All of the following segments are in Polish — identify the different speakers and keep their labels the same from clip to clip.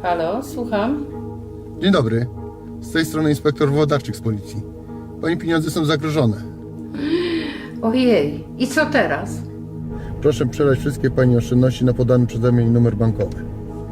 Speaker 1: Halo, słucham.
Speaker 2: Dzień dobry. Z tej strony inspektor Włodarczyk z policji. Pani pieniądze są zagrożone.
Speaker 1: Ojej, i co teraz?
Speaker 2: Proszę przelać wszystkie Pani oszczędności na podany przeze mnie numer bankowy.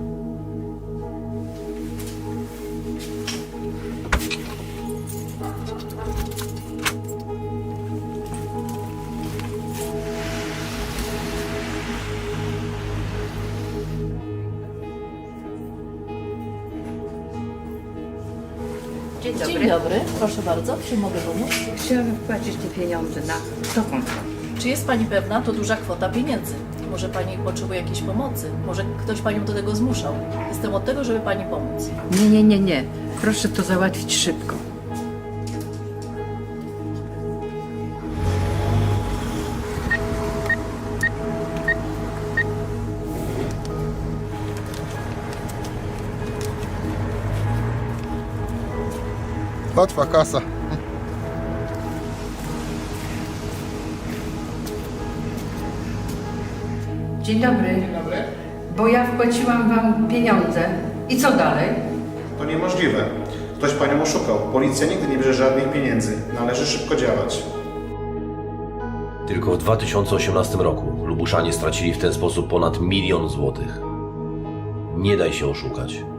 Speaker 1: Dzień dobry.
Speaker 3: Dzień dobry, proszę bardzo, czy mogę pomóc?
Speaker 1: Chciałabym wpłacić te pieniądze na to konto.
Speaker 3: Czy jest Pani pewna? To duża kwota pieniędzy. Może Pani potrzebuje jakiejś pomocy? Może ktoś Panią do tego zmuszał? Jestem od tego, żeby Pani pomóc.
Speaker 1: Nie. Proszę to załatwić szybko.
Speaker 2: Łatwa kasa.
Speaker 1: Dzień dobry. Bo ja wpłaciłam wam pieniądze. I co dalej?
Speaker 4: To niemożliwe. Ktoś panią oszukał. Policja nigdy nie bierze żadnych pieniędzy. Należy szybko działać.
Speaker 5: Tylko w 2018 roku Lubuszanie stracili w ten sposób ponad 1 000 000 złotych. Nie daj się oszukać.